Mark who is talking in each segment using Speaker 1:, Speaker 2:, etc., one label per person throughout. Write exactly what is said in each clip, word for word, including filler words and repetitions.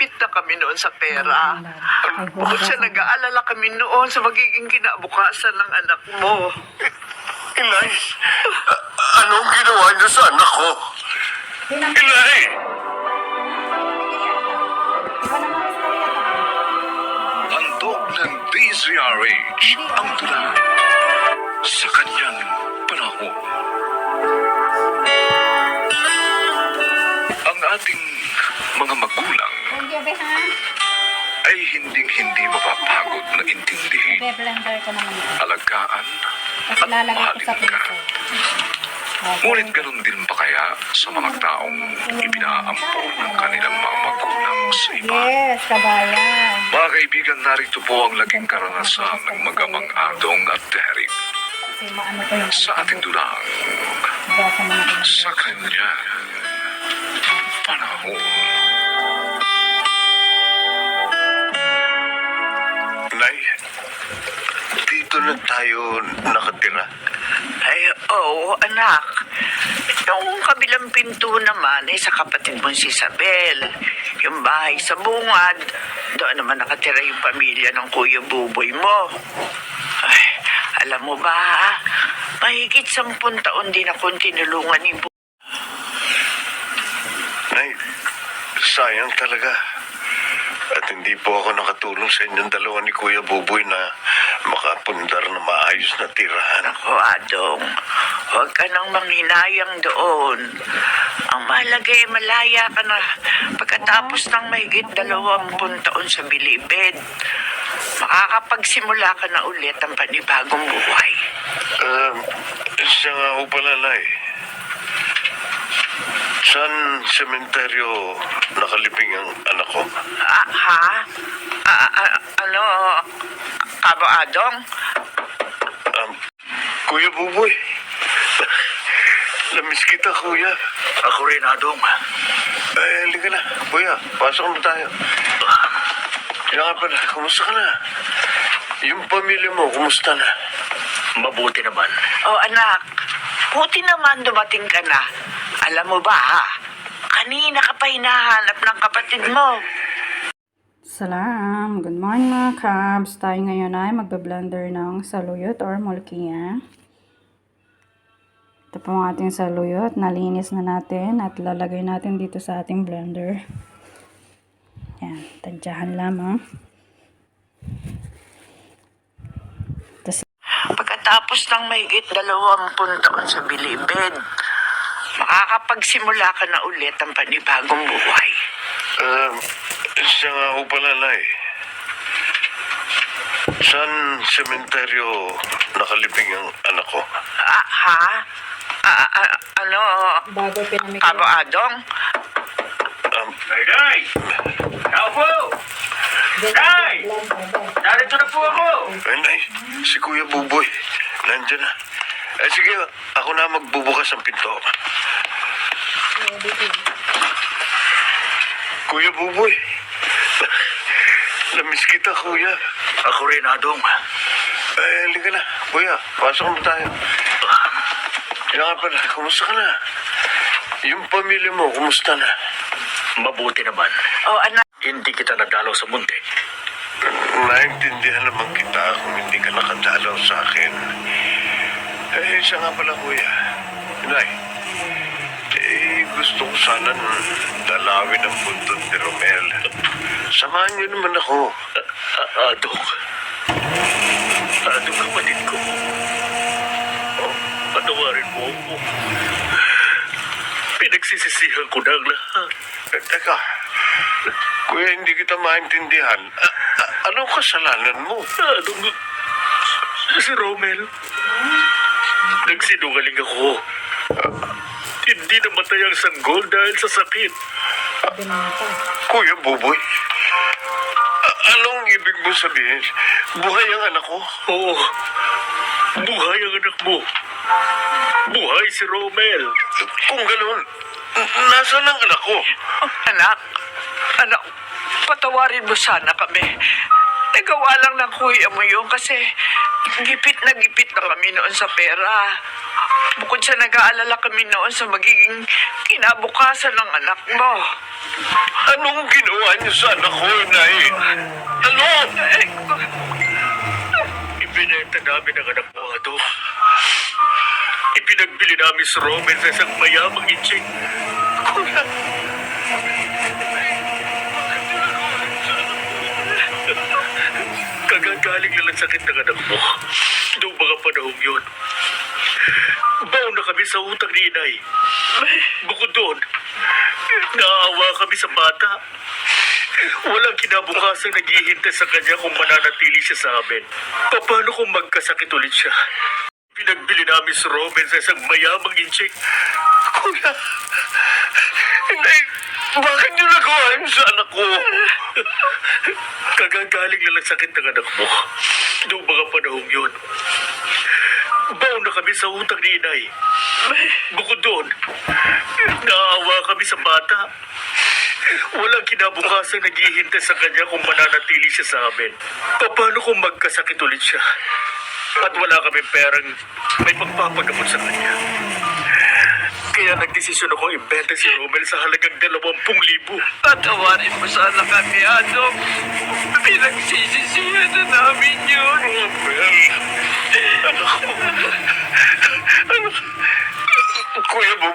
Speaker 1: gipit na kami noon sa pera. Bukod sa nag-aalala kami noon sa magiging kinabukasan ng anak mo.
Speaker 2: Inay, a- anong ginawa niyo sa anak ko? Inay!
Speaker 3: Handog ng D Z R H ang tula sa kanyang panahon. Ang ating mga magulang ay hinding-hindi mapapagod na intindihin,
Speaker 4: Be-blender ko naman ito.
Speaker 3: alagaan
Speaker 4: Tapos
Speaker 3: at
Speaker 4: lalagay ko
Speaker 3: mahalin
Speaker 4: sa
Speaker 3: ka.
Speaker 4: piso.
Speaker 3: Ngunit ganun din ba kaya sa mga taong ipinaampon ng kanilang mga magulang sa iba?
Speaker 4: Yes, kabayan.
Speaker 3: Mga kaibigan, narito po ang laging karanasan ng magamang Adong at Derek
Speaker 4: Kasi maano ko yung
Speaker 3: sa ating dulang
Speaker 4: iba sa mga iba.
Speaker 3: sa kanya panahon.
Speaker 2: Nay, dito na tayo nakatira.
Speaker 1: Ay, oo, anak. Yung kabilang pinto naman ay sa kapatid mong si Isabel. Yung bahay sa bungad, doon naman nakatira yung pamilya ng Kuya Buboy mo. Ay, alam mo ba, mahigit sampung taon din akong tinulungan ni Bu.
Speaker 2: Nay, sayang talaga. At hindi po ako nakatulong sa inyong dalawa ni Kuya Buboy na makapundar na maayos na tirahan.
Speaker 1: Ako, Adong, huwag ka nang manghinayang doon. Ang mahalaga ay malaya ka na pagkatapos ng mahigit dalawampung taon sa bilibid. Makakapagsimula ka na ulit ang panibagong buhay.
Speaker 2: Um, siya nga ho pala, Nay. Saan sementeryo nakalibing ang anak ko?
Speaker 1: Ah, ha? Ah, ah, ano? Kabo, Adong?
Speaker 2: Um, Kuya Buboy. Namiss kita, Kuya.
Speaker 3: Ako rin, Adong.
Speaker 2: Eh, halika na. Kuya, pasok na tayo. Kaya nga pala, kumusta ka na? Yung pamilya mo, kumusta na?
Speaker 3: Mabuti naman.
Speaker 1: Oh, anak, buti naman dumating ka na. Alam mo ba, ha? Kanina ka pa hinahanap ng kapatid mo.
Speaker 4: Salam! Good morning mga Cubs! Tayo ngayon ay magbe-blender ng saluyot or mulkia. Ito po ang ating saluyot. Nalinis na natin at lalagay natin dito sa ating blender. Yan. Tadyahan lamang. Tapos,
Speaker 1: Pagkatapos ng mahigit dalawampung taon sa bilibid, makakapagsimula ka na ulit ang panibagong buhay.
Speaker 2: Um, siya nga ho pala, Nay. Saan sementeryo nakalibing ang anak ko?
Speaker 1: Ah, ha? Ah, ah, ano?
Speaker 4: bago pinamigay.
Speaker 1: Kabo, Adong?
Speaker 2: Um,
Speaker 3: Nay, Nay! Tao po! Nay! Narito na po ako!
Speaker 2: ay, Nay, si Kuya Buboy. Nandiyan na. Eh, sige, ako na magbubukas ang pinto. Kuya Buboy. Namiss kita, Kuya.
Speaker 3: Ako rin, Adong.
Speaker 2: Eh, halika na. Kuya, pasok na tayo. Kaya nga pala, kumusta ka na? Yung pamilya mo, kumusta na?
Speaker 3: Mabuti naman.
Speaker 1: Oh, anak.
Speaker 3: Hindi kita nadalaw sa munti.
Speaker 2: Naintindihan naman kita kung hindi ka nakadalaw sa akin. Eh, siya nga pala, Kuya. Nay, eh, gusto ko sana dalawin ang bundot ni Romel. Samahan niyo naman ako.
Speaker 3: Adong. Adong, kapatid ko. Oh, patawarin mo ako. Pinagsisisihan ko na ang lahat.
Speaker 2: Eh, teka, Kuya, hindi kita maintindihan. A- a- anong kasalanan mo?
Speaker 3: Adong, si Romel. Nagsinungaling ako. Hindi namatay ang sanggol dahil sa sakit.
Speaker 2: Kuya Buboy, a- anong ibig mo sabihin? Buhay ang anak ko?
Speaker 3: Oo. Buhay ang anak mo. Buhay si Romel.
Speaker 2: Kung gano'n, n- nasaan ang anak ko?
Speaker 1: Oh, anak. Anak, patawarin mo sana kami. Nagawa lang ng kuya mo yun kasi gipit na gipit na kami noon sa pera. Bukod sa nag-aalala kami noon sa magiging kinabukasan ng anak mo.
Speaker 2: Anong ginawa niyo sa anak ko, Inay? Ano?
Speaker 5: Ibinenta namin ang anak mo, Ado. Ipinagbili namin si Roman sa isang mayamang itching. Kuya, kagagaling lang ang sakit ng anak mo. Noong mga panahong yun, baon na kami sa utang ni Inay. Bukod doon, naawa kami sa bata. Walang kinabukasan naghihintay sa kanya kung mananatili siya sa amin. Paano kung magkasakit ulit siya? Pinagbili namin si Robin sa isang mayamang inchik.
Speaker 2: Kuya, Inay, bakit niyo nagawa yun sa anak ko?
Speaker 5: Kagagaling lang ang sakit ng anak mo. Noong mga panahong yun, baon na kami sa utang ni Inay. Bukod doon, naawa kami sa bata. Walang kinabukasan naghihintay sa kanya kung mananatili siya sa amin. Paano kung magkasakit ulit siya? At wala kami perang may pagpapagamot sa kanya. Kaya nagdesisyon akong ibenta si Romel sa halagang dalawampung libo.
Speaker 1: Patawarin mo sana kami, Adong. Pinagsisisihan na namin yun.
Speaker 2: Robel, anak ko. Anak, Kuya Bob.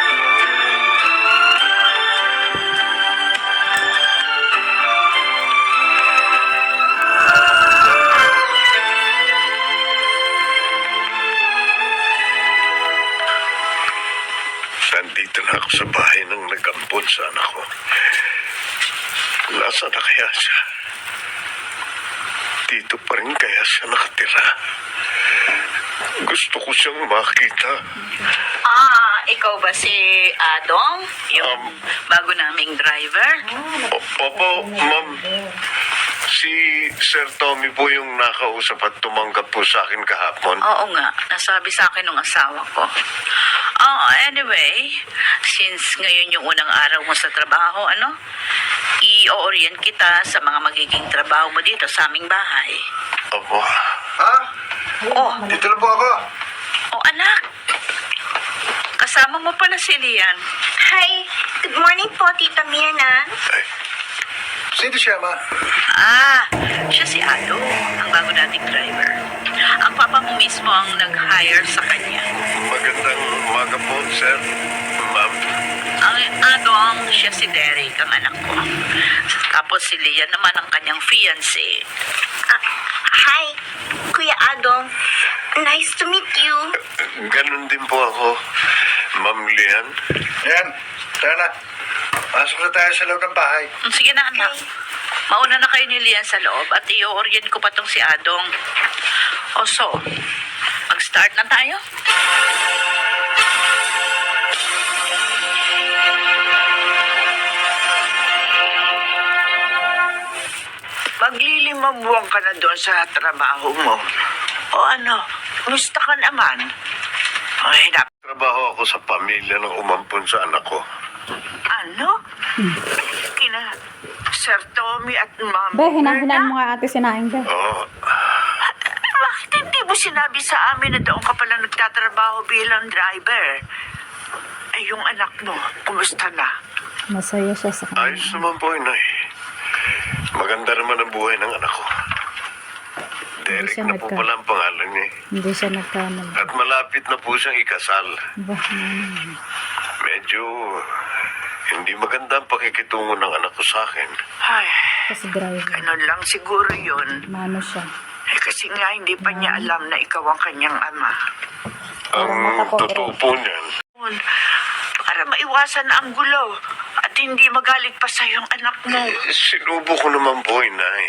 Speaker 2: Nandito na ako sa bahay ng nag-ampon sa anak ko. Nasaan na kaya siya? Dito pa rin kaya siya nakatira? Gusto ko siyang makita.
Speaker 6: Ah, ikaw ba si Adong? Yung
Speaker 2: Um,
Speaker 6: bago naming driver?
Speaker 2: O- Opo, ma'am. Si Sir Tommy po yung nakausap at tumanggap po sa akin kahapon.
Speaker 6: Oo nga, nasabi sa akin ng asawa ko. Oh, anyway, since ngayon yung unang araw mo sa trabaho, ano? I-orient kita sa mga magiging trabaho mo dito sa aming bahay.
Speaker 2: Opo.
Speaker 7: Ha?
Speaker 6: Oh,
Speaker 7: Dito na po ako.
Speaker 6: oh anak. Kasama mo pala si Lian.
Speaker 8: Hi, good morning po, Tita Mirna.
Speaker 2: Ay,
Speaker 7: Sino siya, ma?
Speaker 6: Ah, siya si Ado, ang bago nating driver. Ang papa mo mismo ang nag-hire sa kanya.
Speaker 2: magandang umaga po, Sir. Ma'am.
Speaker 6: Ang Adong, siya si Derek, ang anak ko. Tapos si Lian naman ang kanyang fiancé.
Speaker 8: Ah, hi, Kuya Adong. Nice to meet you.
Speaker 2: Ganun din po ako, Ma'am Lian.
Speaker 7: Yan, tara na. Pasok na tayo sa loob ng bahay.
Speaker 6: Mm, Sige na, anak. Mauna na kayo ni Lian sa loob at i-orient ko pa tong si Adong. O so, mag-start na tayo?
Speaker 1: Maglilimang buwan ka na doon sa trabaho mo. O ano, musta ka naman? Ay, nap...
Speaker 2: Trabaho ako sa pamilya ng umampon sa anak ko.
Speaker 1: Ano? Kina Sir Tommy at Ma'am
Speaker 4: Be, hinahinaan
Speaker 1: Berna?
Speaker 4: mo nga ate sinaing, be.
Speaker 2: Oo.
Speaker 1: Bakit hindi mo sinabi sa amin na doon ka pala nagtatrabaho bilang driver? Ay, yung anak mo, kumusta na?
Speaker 4: Masaya siya sa kanya.
Speaker 2: Ayos naman po, Inay. Maganda naman ang buhay ng anak ko. Derek
Speaker 4: siya
Speaker 2: na po
Speaker 4: nagka-
Speaker 2: pala ang pangalan niya.
Speaker 4: Hindi siya nagkamali.
Speaker 2: At malapit na po siyang ikasal.
Speaker 4: Ba, hmm.
Speaker 2: Medyo hindi maganda ang pakikitungo ng anak ko sa akin.
Speaker 1: Ay,
Speaker 4: Kasi driver.
Speaker 1: ganun lang siguro yun.
Speaker 4: Mano siya.
Speaker 1: Eh, kasi nga hindi pa niya alam na ikaw ang kanyang ama.
Speaker 2: Ang
Speaker 4: mata ko,
Speaker 2: totoo
Speaker 4: Derek.
Speaker 2: po niyan,
Speaker 1: Para maiwasan na ang gulo at hindi magalit pa sa yung anak mo.
Speaker 2: sinubo ko naman po, Inay.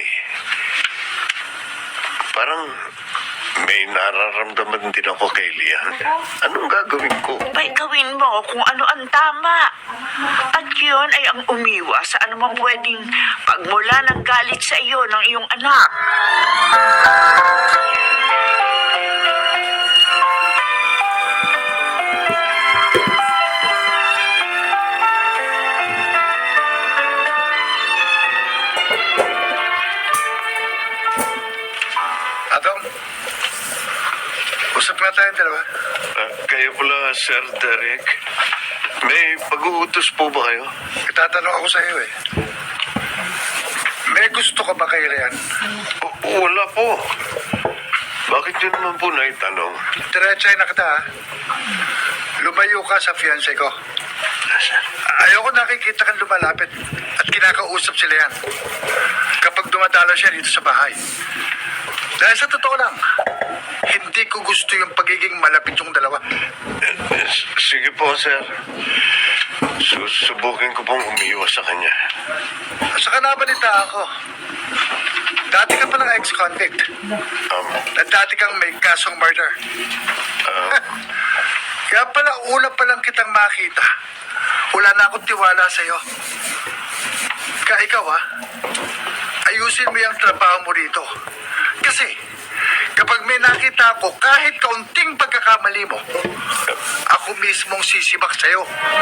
Speaker 2: Parang may nararamdaman din ako kay Lian. Anong gagawin ko?
Speaker 1: Pa'y gawin mo kung ano ang tama. At yun ay ang umiwas sa anumang pwedeng pagmula ng galit sa iyo ng iyong anak.
Speaker 7: Adong, usap na tayo dalawa.
Speaker 2: Ah, kayo pala, Sir Derek. May pag-uutos po ba kayo?
Speaker 7: Itatanong ako sa iyo eh. May gusto ka ba kay Rian?
Speaker 2: O- wala po. Bakit yun naman po naitanong?
Speaker 7: Diretsay na kita ha. Lumayo ka sa fiancé ko. Ayoko nakikita kang lumalapit at kinakausap sila yan. Kapag dumadalo siya dito sa bahay. Dahil sa totoo lang, hindi ko gusto yung pagiging malapit yung dalawa.
Speaker 2: Eh, s- Sige po, sir. Susubukin ko pong umiwas sa kanya.
Speaker 7: At saka nabalita ako. Dati ka palang ex-convict.
Speaker 2: Um,
Speaker 7: At dati kang may kasong murder. Kaya pala una pa lang kitang makita. Wala na akong tiwala sa'yo. Kaya ikaw ha, ayusin mo yung trabaho mo rito. Kasi kapag may nakita ako kahit kaunting pagkakamali mo, ako mismong sisibak sa'yo.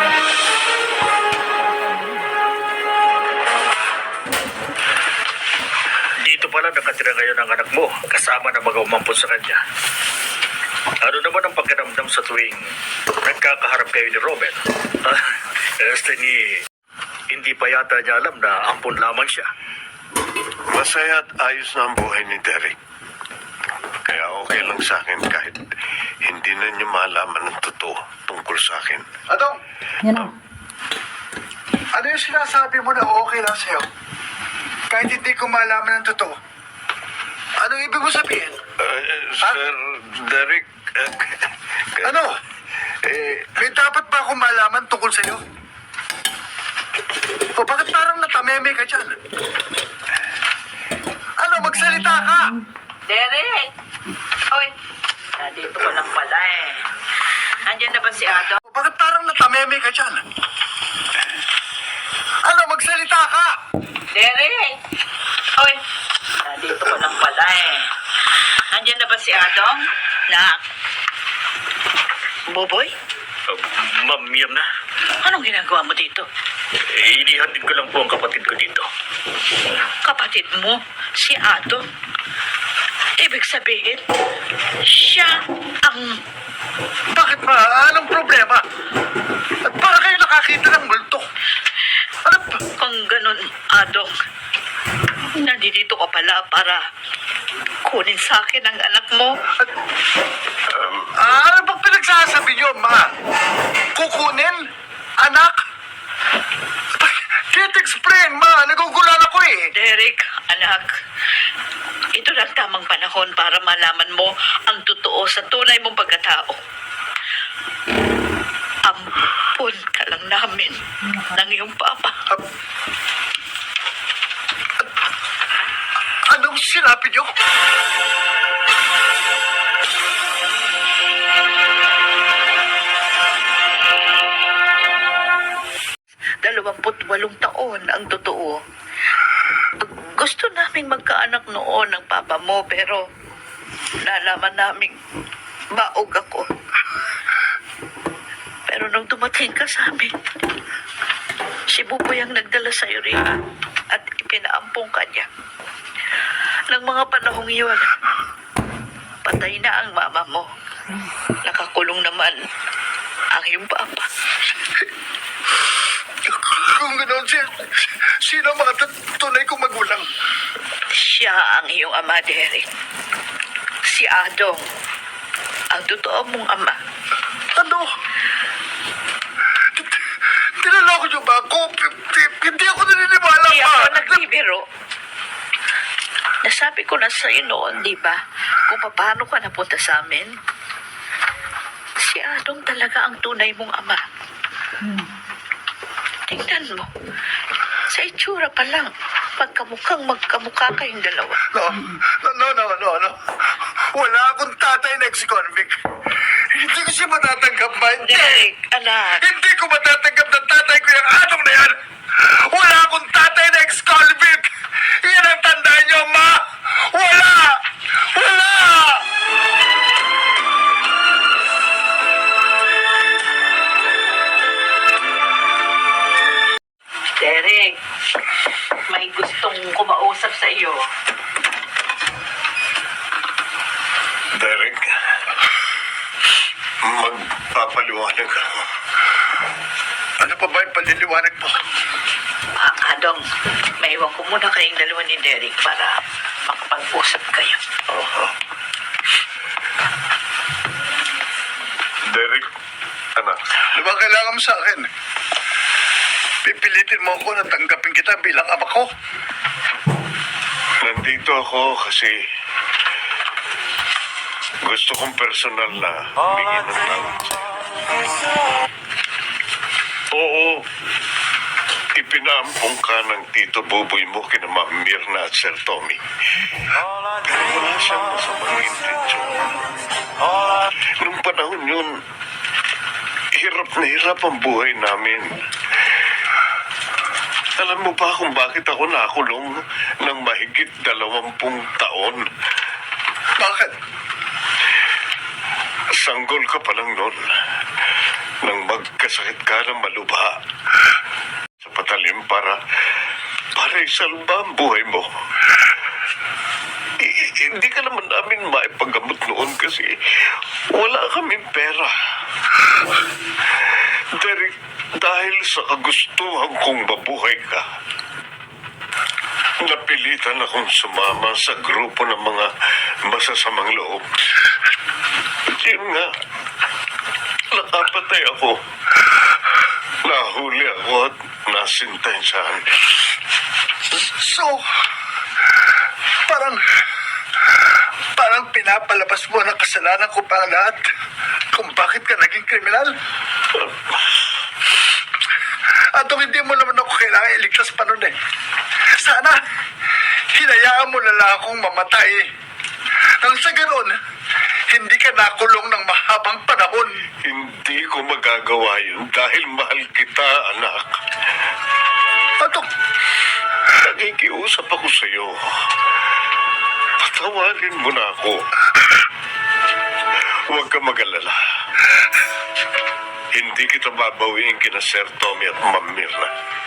Speaker 5: Dito pala nakatira ngayon ang anak mo, kasama ng mga umampun sa kanya. Ano naman ang pagkaramdam sa tuwing nagkakaharap kayo ni Robert? Ah, este ni... Hindi pa yata niya alam na ampun lamang siya.
Speaker 2: Masaya at ayos na ang buhay ni Derek. Kaya okay lang sa akin kahit hindi na niyo malaman ang totoo tungkol sa akin.
Speaker 7: Adong,
Speaker 4: Yan na.
Speaker 7: ano yung sinasabi mo na okay lang sa'yo? Kahit hindi ko malaman ang totoo. Anong ibig mo sabihin?
Speaker 2: Uh, Sir Derek, uh,
Speaker 7: Ano?
Speaker 2: eh,
Speaker 7: May dapat ba akong malaman tungkol sa'yo? O bakit parang natameme ka dyan? Ano, magsalita ka!
Speaker 6: Derek! Oy, nandito ko lang pala eh. Andiyan na ba si Ado?
Speaker 7: O bakit parang natameme ka dyan? Ano, magsalita ka!
Speaker 6: Derek! Oy, nandito ko lang pala eh. Andiyan na ba si Adong? Nak? Boboy?
Speaker 5: Uh, Ma'am, yam na.
Speaker 6: Anong ginagawa mo dito?
Speaker 5: Eh, inihatid ko lang po ang kapatid ko dito.
Speaker 6: Kapatid mo, si Ado. Ibig sabihin, siya ang...
Speaker 7: Bakit ba? Anong problema? At para kayo nakakita ng multo? Ano ba?
Speaker 6: Kung ganun, Adong, nandito ka pala para kunin sa akin ang anak mo.
Speaker 7: Ah, ano bang pinagsasabi niyo, ma? Kukunin? Anak? Can't explain, ma. Nagugulan ako eh.
Speaker 6: Derek, anak, ito lang tamang panahon para malaman mo ang totoo sa tunay mong pagkatao. Ampun ka lang namin ng iyong papa.
Speaker 7: Anong sinabi niyo?
Speaker 6: Dalawamput walong taon ang totoo. Gusto naming magkaanak noon ng papa mo, pero nalaman naming baog ako. Pero nung dumating ka sa amin, si Buboy ang nagdala sa rin at ipinaampong ka niya. Nang mga panahong iyon, patay na ang mama mo. Nakakulong naman ang iyong papa.
Speaker 7: Kung gano'n, si, sino ang mga tut- tunay kong magulang?
Speaker 6: Siya ang iyong ama, Derek. Si Adong, ang totoo mong ama.
Speaker 7: Ano? T- Tinaloko niyo ba ako? P- p- Hindi ako naniniwala
Speaker 6: Hindi
Speaker 7: pa.
Speaker 6: ako nagbibiro. Nasabi ko na sa'yo noon, di ba? Kung paano ka napunta sa amin. Si Adong talaga ang tunay mong ama. Tingnan mo. Sa itsura pa lang, magkamukhang magkamukha kayong dalawa.
Speaker 7: No, no, no, no, no, no. Wala akong tatay na ex-convict. Hindi ko siya matatanggap, ma. Hindi.
Speaker 6: Derek, anak.
Speaker 7: Hindi ko matatanggap na tatay ko yung atong na yan. Wala akong tatay na ex-convict. Yan ang tandaan niyo, ma. Wala! Wala!
Speaker 6: Derek, may gustong kumausap sa iyo.
Speaker 2: Derek, magpapaliwanag ako.
Speaker 7: pa ba yung paliliwanag mo?
Speaker 6: Ah, Adong, maiwan ko muna kayong dalawa ni Derek para makapag-usap kayo.
Speaker 2: Oo. Derek, anak,
Speaker 7: Ano ba kailangan mo sa akin? Pipilitin mo ako na tanggapin kita bilang ama ko?
Speaker 2: nandito ako kasi gusto kong personal na humingi ng tawad sa'yo. Oo, ipinaampong ka ng Tito Buboy mo kina Ma'am Mirna at Sir Tommy. Pero wala siyang masamang intensyon. Nung panahon yun, hirap na hirap ang buhay namin. Alam mo ba kung bakit ako nakulong ng mahigit dalawampung taon?
Speaker 7: Bakit?
Speaker 2: Sanggol ka pa lang noon nang magkasakit ka ng malubha sa patalim para para isalba ang buhay mo. I- i- hindi ka naman namin maipagamot noon kasi wala kaming pera. Derek, dahil sa kagustuhan kong mabuhay ka, napilitan akong sumama sa grupo ng mga masasamang loob. Yun nga, nakapatay ako. Nahuli ako at nasintensyahan.
Speaker 7: So, parang, parang pinapalabas mo na kasalanan ko pa ang lahat kung bakit ka naging kriminal. At kung hindi mo naman ako kailangan iligtas pa nun eh. Sana, hinayaan mo na lang akong mamatay. Nang sa ganon, hindi ka nakulong ng mahabang panahon.
Speaker 2: Hindi ko magagawa yun dahil mahal kita, anak.
Speaker 7: At
Speaker 2: Nakikiusap ako sa iyo. Patawarin mo na ako. Huwag ka mag-alala. Hindi kita babawiin kina Sir Tommy at Ma'am Mirna.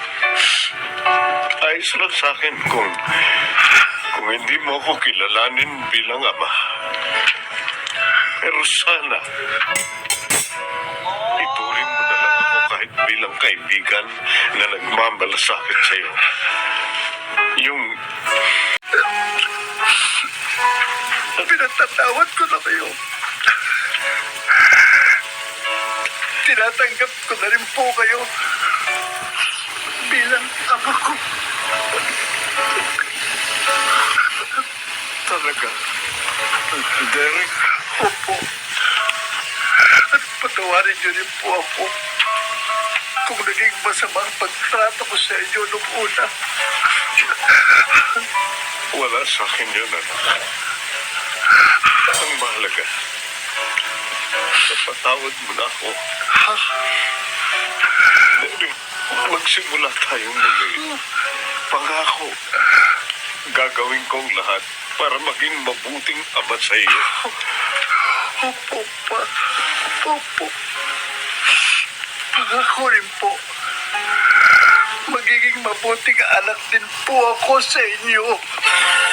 Speaker 2: Ayos lang sa akin kung kung hindi mo ako kilalanin bilang ama. Pero sana ituring mo na lang ako kahit bilang kaibigan na nagmamalasakit sa iyo. Yung
Speaker 7: pinatatawad ko na kayo. Tinatanggap ko na rin po kayo bilang ama ko.
Speaker 2: talaga. Derek,
Speaker 7: Opo. At patawarin niyo rin po ako kung naging masama ang pagtrato ko sa inyo nung una.
Speaker 2: wala sa akin yun, anak. Ang mahalaga, napatawad mo na ako. Derek, magsimula tayong muli. Pangako, gagawin kong lahat para maging mabuting ama sa iyo.
Speaker 7: Opo, pa. Opo. Pangako rin po. Magiging mabuting anak din po ako sa inyo.